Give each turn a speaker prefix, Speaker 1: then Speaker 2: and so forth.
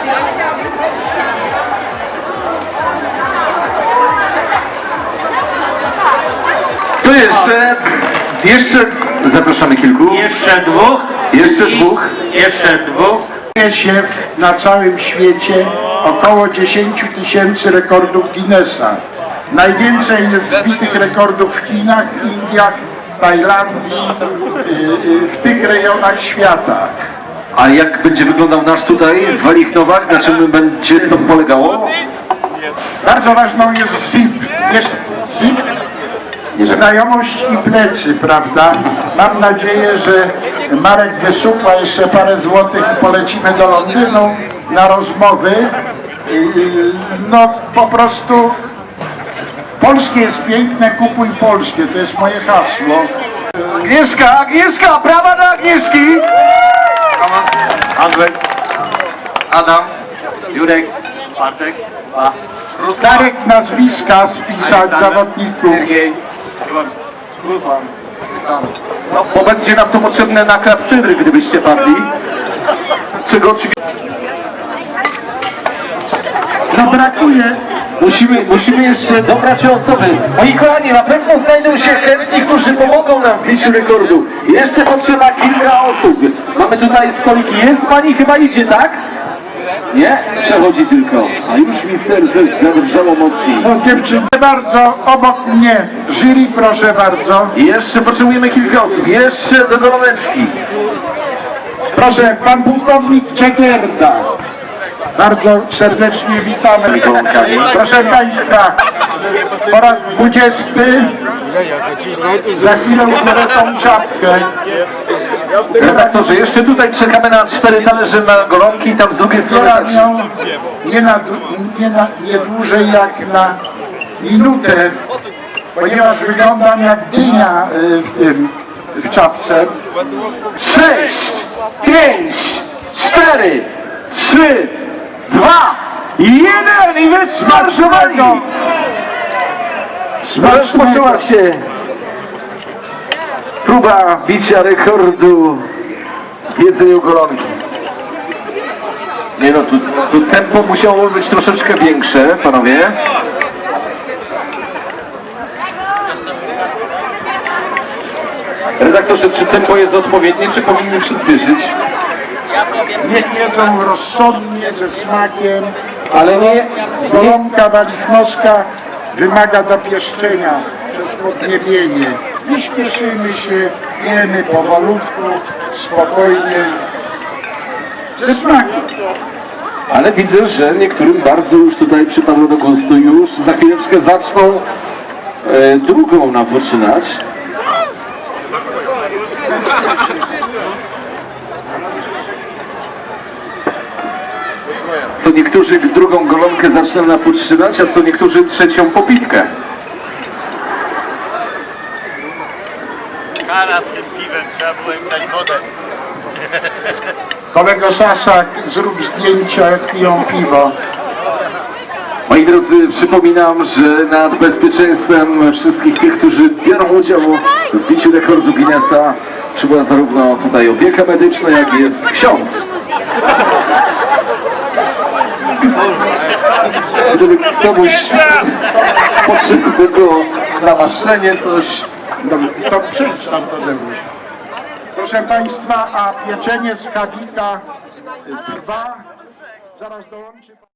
Speaker 1: To jeszcze zapraszamy kilku.
Speaker 2: Jeszcze dwóch.
Speaker 1: Jeszcze dwóch.
Speaker 3: Się na całym świecie około 10 000 rekordów Guinnessa. Najwięcej jest zbitych rekordów w Chinach, Indiach, Tajlandii, w tych rejonach świata.
Speaker 1: A jak będzie wyglądał nasz tutaj w Walichnowach? Na czym będzie to polegało?
Speaker 3: Bardzo ważną jest ZIP. Jest ZIP? Znajomość i plecy, prawda? Mam nadzieję, że Marek wysupła jeszcze parę złotych i polecimy do Londynu na rozmowy. No po prostu polskie jest piękne, kupuj polskie, to jest moje hasło.
Speaker 1: Agnieszka, brawa dla Agnieszki! Andrzej, Adam, Jurek, Bartek,
Speaker 3: Starek nazwiska spisać zawodników.
Speaker 1: No, bo będzie nam to potrzebne na klapsydry, gdybyście padli. Czego oczywiście...
Speaker 3: No brakuje.
Speaker 1: Musimy jeszcze dobrać osoby. Moi kochani, na pewno znajdą się chętni, którzy pomogą nam w biciu rekordu. Jeszcze potrzeba kilka osób. Mamy tutaj stoliki. Jest pani, chyba idzie, tak? Nie? Przechodzi tylko. A już mi serce zadrżało mocniej.
Speaker 3: No dziewczyny, bardzo obok mnie. Jury, proszę bardzo.
Speaker 1: Jeszcze potrzebujemy kilka osób. Jeszcze do goloneczki.
Speaker 3: Proszę, pan pułkownik Czegierda. Bardzo serdecznie witamy. Proszę Państwa, po raz 20 za chwilę ubiorę tą czapkę.
Speaker 1: Redaktorze, jeszcze tutaj czekamy na 4 talerze na golonki i tam z drugiej strony
Speaker 3: Zbieram
Speaker 1: też.
Speaker 3: ją nie dłużej jak na minutę, ponieważ wyglądam jak dynia w czapce.
Speaker 1: 6, 5, 4, 3, 2, 1 i wysmarszowali! Rozpoczęła się próba bicia rekordu w jedzeniu golonki. Nie no, tu tempo musiało być troszeczkę większe, panowie. Redaktorze, czy tempo jest odpowiednie, czy powinny przyspieszyć?
Speaker 3: Niech jedzą rozsądnie, ze smakiem,
Speaker 1: Ale nie,
Speaker 3: golonka walichnowska wymaga dopieszczenia przez podniebienie. Nie śpieszymy się, jemy powolutku, spokojnie, ze smakiem.
Speaker 1: ale widzę, że niektórym bardzo już tutaj przypadło do gustu. Już za chwileczkę zaczną drugą nam poczynać. Co niektórzy drugą golonkę zaczną napoczynać, a co niektórzy trzecią popitkę.
Speaker 2: Kara z tym piwem, trzeba było im dać wodę.
Speaker 3: Kolego Sasak, zrób zdjęcia, jak piją piwo.
Speaker 1: Moi drodzy, przypominam, że nad bezpieczeństwem wszystkich tych, którzy biorą udział w biciu rekordu Guinnessa czuwa zarówno tutaj opieka medyczna, jak i jest ksiądz. Gdyby komuś potrzebne było namaszczenie, coś...
Speaker 3: No, to przeczytam to Tadeusz. Proszę Państwa, a pieczenie z Hadika trwa. Zaraz dołączy.